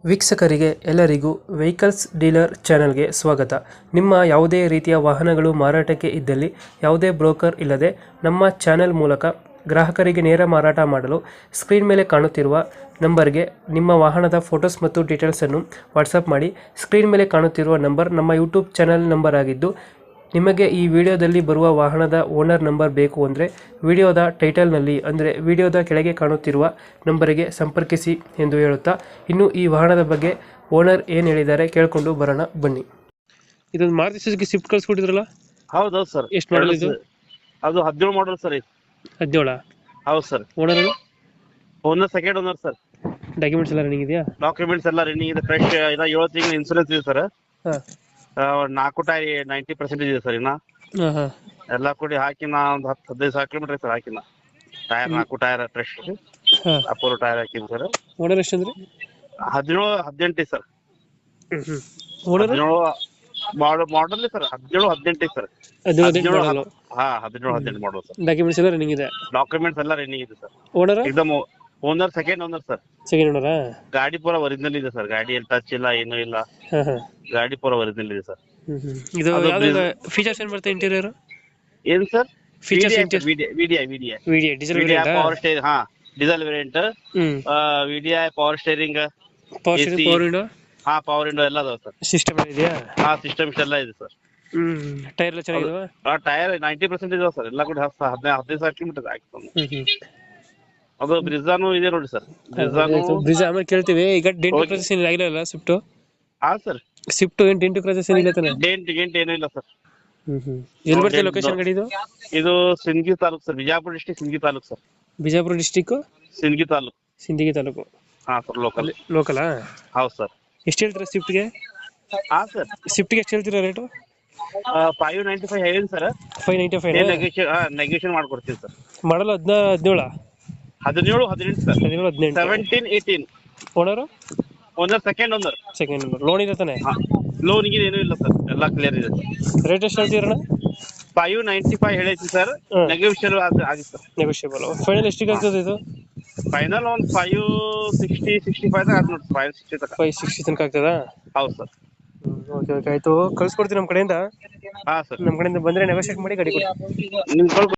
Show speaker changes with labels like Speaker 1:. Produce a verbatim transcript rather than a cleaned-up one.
Speaker 1: ವೀಕ್ಷಕರಿಗೆ ಎಲ್ಲರಿಗೂ vehicles dealer ಚಾನೆಲ್ಗೆ ಸ್ವಾಗತ. ನಿಮ್ಮ ಯಾವುದೇ ರೀತಿಯ ವಾಹನಗಳು ಮಾರಾಟಕ್ಕೆ ಇದ್ದಲ್ಲಿ ಯಾವುದೇ ಬ್ರೋಕರ್ ಇಲ್ಲದೆ ನಮ್ಮ ಚಾನೆಲ್ ಮೂಲಕ ಗ್ರಾಹಕರಿಗೆ ನೇರ ಮಾರಾಟ ಮಾಡಲು ಸ್ಕ್ರೀನ್ ಮೇಲೆ ಕಾಣುತ್ತಿರುವ ನಂಬರ್ಗೆ ನಿಮ್ಮ ವಾಹನದ ಫೋಟೋಸ್ ಮತ್ತು ಡೀಟೇಲ್ಸನ್ನು ವಾಟ್ಸಪ್ ಮಾಡಿ. ಸ್ಕ್ರೀನ್ ಮೇಲೆ ಕಾಣುತ್ತಿರುವ ನಂಬರ್ ನಮ್ಮ ಯೂಟ್ಯೂಬ್ ಚಾನೆಲ್ ನಂಬರ್ ಆಗಿದ್ದು, ನಿಮಗೆ ಈ ವಿಡಿಯೋದಲ್ಲಿ ಬರುವ ವಾಹನದ ಓನರ್ ನಂಬರ್ ಬೇಕು ಅಂದರೆ ವಿಡಿಯೋದ ಟೈಟಲ್ನಲ್ಲಿ ಅಂದರೆ ವಿಡಿಯೋದ ಕೆಳಗೆ ಕಾಣುತ್ತಿರುವ ನಂಬರಿಗೆ ಸಂಪರ್ಕಿಸಿ ಎಂದು ಹೇಳುತ್ತಾ, ಇನ್ನು ಈ ವಾಹನದ ಬಗ್ಗೆ ಓನರ್ ಏನು ಹೇಳಿದ್ದಾರೆ ಕೇಳಿಕೊಂಡು ಬರೋಣ ಬನ್ನಿ. ಇದೊಂದು ಮಾರುತಿ ಸುಜುಕಿ ಸ್ವಿಫ್ಟ್ ಕಳಿಸ್ಕೊಟ್ಟಿದ್ರಲ್ಲ?
Speaker 2: ಹೌದೌದು ಸರ್.
Speaker 1: ಎಷ್ಟು ಮಾಡಲ್ ಇದು?
Speaker 2: ಅದು ಹದಿನೇಳು ಮಾಡಲ್ ಸರ್.
Speaker 1: ಹದಿನೇಳ?
Speaker 2: ಹೌದು sir.
Speaker 1: Owner
Speaker 2: owner second owner sir.
Speaker 1: Documents ಎಲ್ಲ ರನ್ನಿಂಗ್ ಇದೆಯಾ?
Speaker 2: ಡಾಕ್ಯುಮೆಂಟ್ಸ್ ಎಲ್ಲ ರನ್ನಿಂಗ್ ಇದೆ, ಫ್ರೆಶ್. ಇನ್ನ ಏಳು ತಿಂಗಳು ಇನ್ಸೂರೆನ್ಸ್ ಇದೆ ಸರ್.
Speaker 1: ಹಾಂ.
Speaker 2: ನಾಲ್ಕು ಟೈರ್ ನೈಂಟಿ ಪರ್ಸೆಂಟೇಜ್ ಇದೆ ಸರ್. ಇನ್ನ
Speaker 1: ಹಾಂ ಹಾಂ
Speaker 2: ಎಲ್ಲ ಕೂಡಿ ಹಾಕಿನ ಒಂದು ಹತ್ತು ಹದಿನೈದು ಸಾವಿರ ಕಿಲೋಮೀಟರ್ ಸರ್ ಹಾಕಿನ. ಟೈರ್ ನಾಲ್ಕು ಟೈರ್ ಫ್ರೆಶ್,
Speaker 1: ಹಾಂ.
Speaker 2: ಅಪೋಲೋ ಟೈರ್ ಹಾಕಿನಿ ಸರ್.
Speaker 1: ಓನರ್ ಎಷ್ಟು ಅಂದ್ರೆ?
Speaker 2: ಹದಿನೇಳು ಹದಿನೆಂಟು ಸರ್.
Speaker 1: ಹ್ಞೂ ಹ್ಞೂ ಓನರ್
Speaker 2: ಹದಿನೇಳು ಮಾಡಲ್ ಮಾಡಲ್ ಸರ್. ಹದಿನೇಳು ಹದಿನೆಂಟು ಸರ್.
Speaker 1: ಹದಿನೇಳು ಮಾಡಲು?
Speaker 2: ಹಾ, ಹದಿನೇಳು ಹದಿನೆಂಟು ಮಾಡಲ್ ಸರ್.
Speaker 1: ಡಾಕ್ಯುಮೆಂಟ್ಸ್ ಎಲ್ಲ ರನ್ನಿಂಗ್ ಇದೆ?
Speaker 2: ಡಾಕ್ಯುಮೆಂಟ್ಸ್ ಎಲ್ಲ ರನ್ನಿಂಗ್ ಇದೆ ಸರ್.
Speaker 1: ಓನರ್?
Speaker 2: ಎಕ್ದಮ್ owner second owner sir.
Speaker 1: Second ಓನರಾ?
Speaker 2: ಗಾಡಿ ಪೂರ ಒರಿಜಿನಲ್ ಇದೆ ಸರ್. ಗಾಡಿ ಏನು ಟಚ್ ಇಲ್ಲ, ಏನೂ ಇಲ್ಲ.
Speaker 1: ಹಾಂ ಹಾಂ
Speaker 2: ಗಾಡಿ ಪೂರ ಒರಿಜಿನಲ್ ಇದೆ ಸರ್.
Speaker 1: ಹ್ಮ್ ಹ್ಮ್. ಇದು
Speaker 2: ಅದು
Speaker 1: ಯಾವ್ದು ಫೀಚರ್ಸ್ ಏನ್ ಬರುತ್ತೆ ಇಂಟೀರಿಯರ್?
Speaker 2: ಏನ್ sir?
Speaker 1: Features
Speaker 2: VDI VDI
Speaker 1: VDI diesel
Speaker 2: VDI
Speaker 1: variant?
Speaker 2: Power steering. ಹಾ, diesel variant.
Speaker 1: Hmm.
Speaker 2: VDI power steering,
Speaker 1: power steering, power window?
Speaker 2: ಹಾ, ಪವರ್ ವಿಂಡೋ ಎಲ್ಲ ಅದಾವ ಸರ್.
Speaker 1: ಸಿಸ್ಟಮ್ ಇದೆಯಾ?
Speaker 2: ಹಾ, ಸಿಸ್ಟಮ್ಸ್ ಎಲ್ಲ ಇದೆ ಸರ್.
Speaker 1: ಹ್ಮ್. ಟೈರ್ ಎಲ್ಲ ಚೆನ್ನಾಗಿದಾವ?
Speaker 2: ಆ ಟೈರ್ ನೈಂಟಿ ಪರ್ಸೆಂಟ್ ಇದಾವ ಸರ್. ಎಲ್ಲ ಕೂಡ ಹತ್ತು ಹದಿನೈದು ಹದಿನೈದು ಸಾವಿರ ಕಿಲೋಮೀಟರ್ ಆಯ್ತು.
Speaker 1: ಹ್ಮ್ ಹ್ಮ್.
Speaker 2: ಅದು ಬ್ರಿಜಾನು ಇದೆ ನೋಡಿ ಸರ್. ಬ್ರಿಜಾನು
Speaker 1: ಬ್ರಿಜ್ ಆಮೇಲೆ ಕೇಳ್ತೀವಿ. ಈಗ ಡೆಂಟು ಕ್ರಾಚಸ್ ಏನು ಆಗಿಲ್ಲ ಸ್ವಿಫ್ಟ್?
Speaker 2: ಹಾ ಸರ್.
Speaker 1: ಸ್ವಿಫ್ಟ್ ಏನು ಡೆಂಟು ಕ್ರಾಚಸ್ ಏನಿಲ್ಲ ತಾನೆ?
Speaker 2: ಡೆಂಟ್ ಗೆಂಟ್ ಏನೂ ಇಲ್ಲ ಸರ್.
Speaker 1: ಹ್ಮ್ ಹ್ಮ್. ಎಲ್ಲಿ ಬರ್ತದೆ ಲೊಕೇಶನ್ ಗಾಡಿ ಇದು?
Speaker 2: ಇದು Sindagi taluk sir. Bijapur district Sindagi taluk sir.
Speaker 1: Bijapur district
Speaker 2: Sindagi taluk.
Speaker 1: Sindagi taluk.
Speaker 2: ಹಾ ಸರ್, ಲೋಕಲ್.
Speaker 1: ಲೋಕಲಾ?
Speaker 2: ಹೌದು ಸರ್.
Speaker 1: ಎಷ್ಟು ಹೇಳ್ತೀರಾ ಸ್ವಿಫ್ಟ್ಗೆ?
Speaker 2: ಹಾ ಸರ್.
Speaker 1: ಸ್ವಿಫ್ಟ್ಗೆ ಎಷ್ಟು ಹೇಳ್ತೀರಾ ರೇಟು?
Speaker 2: ಫೈವ್ ನೈಂಟಿ ಫೈವ್ ಹೇಳಿ sir.
Speaker 1: Five ninety five
Speaker 2: negotiate ಹಾ ನೆಗೋಷಿಯೇಟ್ ಮಾಡ್ಕೊಡ್ತೀವಿ ಸರ್.
Speaker 1: ಮಾಡಲ್ ಹದಿನಾ ಹದಿನೇಳ?
Speaker 2: ಹದಿನೇಳು ಹದಿನೆಂಟು ಸರ್.
Speaker 1: ಹದಿನೇಳು ಹದಿನೆಂಟು.
Speaker 2: Seventeen eighteen.
Speaker 1: Owner?
Speaker 2: Owner second owner.
Speaker 1: Second owner. Loan ಇದೆ ತಾನೆ?
Speaker 2: ಲೋನ್ ಗೆ ಏನೂ ಇಲ್ಲ ಸರ್, ಎಲ್ಲ ಕ್ಲಿಯರ್ ಇದೆ ಸರ್.
Speaker 1: ರೇಟ್ ಎಷ್ಟು ಹೇಳ್ತೀರಣ್ಣ?
Speaker 2: ಫೈವ್ ನೈಂಟಿ ಫೈವ್ ಹೇಳೈತಿ ಸರ್. ನೆಗೋಷಿಯೇಟ್ ಆಗುತ್ತೆ ಸರ್.
Speaker 1: ನೆಗೋಷಿಯೇಬಲ್. ಫೈನಲ್ ಎಷ್ಟಿಗೆ ಆಗ್ತದೆ ಇದು?
Speaker 2: ಫೈನಲ್ ಒಂದು ಫೈವ್ ಸಿಕ್ಸ್ಟಿ ಸಿಕ್ಸ್ಟಿ ಫೈವ್ ಆಗುತ್ತೆ ನೋಡಿ. ಫೈವ್ ಸಿಕ್ಸ್ಟಿ ತನಕ.
Speaker 1: ಫೈವ್ ಸಿಕ್ಸ್ಟಿ ತನಕ ಆಗ್ತದಾ?
Speaker 2: ಹೌದು ಸರ್.
Speaker 1: ಓಕೆ ಓಕೆ ಆಯ್ತು, ಕಳ್ಸ್ಕೊಡ್ತೀನಿ ನಮ್ಮ ಕಡೆಯಿಂದ.
Speaker 2: ಹಾ ಸರ್.
Speaker 1: ನಮ್ಮ ಕಡೆಯಿಂದ ಬಂದರೆ ನೆಗೋಷಿಯೇಟ್ ಮಾಡಿ ಗಾಡಿ ಕೊಡಿ.
Speaker 2: ನಿಮ್ಗೆ